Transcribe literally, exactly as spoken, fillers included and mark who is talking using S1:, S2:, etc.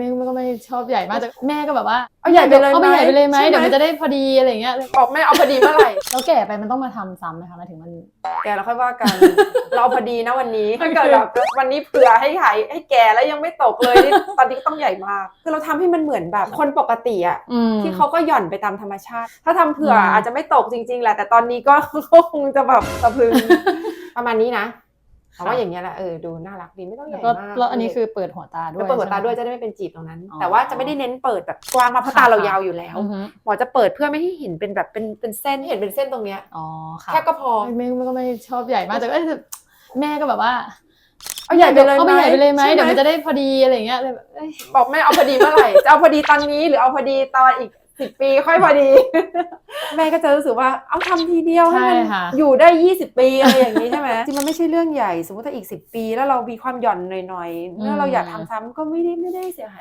S1: ม่ไม่ก็ไม่ชอบใหญ่มากแต่แม่ก็แบบว่า
S2: เอาใหญ่ไปเลย
S1: เอาไปใหญ่ไปเลยไหม
S2: ใช่ไหม
S1: เดี๋ยวมันจะได้พอดีอะไรเงี้ย
S2: บอกแม่เอาพอดีเมื่อไหร่
S1: แล้วแก่ไปมันต้องมาทำซ้ำไหมคะหมายถึงมัน
S2: แกเราค่อยว่ากัน เราพอดีนะวันนี้ถ้าเกิดแบบวันนี้เผื่อให้หายให้แกแล้วยังไม่ตกเลยนี่ตอนนี้ก็ต้องใหญ่มากคือเราทำให้มันเหมือนแบบคนปกติอะ
S1: อืม
S2: ที่เขาก็หย่อนไปตามธรรมชาติ ถ้าทำเผื่อ
S1: อืม
S2: อาจจะไม่ตกจริงๆแหละแต่ตอนนี้ก็ คงจะแบบสะพรึง ประมาณนี้นะแต่ว่าอย่างเงี้ยแหละเออดูน่ารักดีไม่ต้องให
S1: แล้ว
S2: ญ่
S1: ก็
S2: มาก
S1: แล้วอันนี้คือเปิดหัวตาด้วย
S2: แล้วเปิดหัวตา
S1: ใช่ไม
S2: ด้วยจะได้ไม่เป็นจีบตรงนั้น
S1: อ๋อ
S2: แต่ว่าจะไม่ได้เน้นเปิดแบบกว้างมากเพราะตาเรายาวอยู่แล้ว
S1: อือฮึ
S2: หมอจะเปิดเพื่อไม่ให้เห็นเป็นแบบเป็นเป็นเส้นเห็นเป็นเส้นตรงเนี้ย
S1: อ๋อค่ะ
S2: แค่ก็พอ
S1: ไม่ไม่ก็ไม่ชอบใหญ่มากแต่ก็แม่ก็แบบว่า
S2: เอาใหญ่ไปเลย
S1: เอาไปใหญ่ไปเลยไหม
S2: ใช่
S1: เดี๋ยวมันจะได้พอดีอะไรเงี้ยเลยแบบเอ้ย
S2: บอกแม่เอาพอดีเมื่อไหร่ จะเอาพอดีตอนนี้หรือเอาพอดีตอนอีกสิบปีค่อยพอดี แม่ก็จะรู้สึกว่าเอาทำทีเดียวให้มัน
S1: ใช่ค่ะ
S2: อยู่ได้ยี่สิบปีอะไรอย่างนี้ใช่ไหมจริงมันไม่ใช่เรื่องใหญ่สมมติถ้าอีกสิบปีแล้วเรามีความหย่อนหน่อยๆแล้วเราอยากทำซ้ำก็ไม่ได้ไม่ได้เสียหาย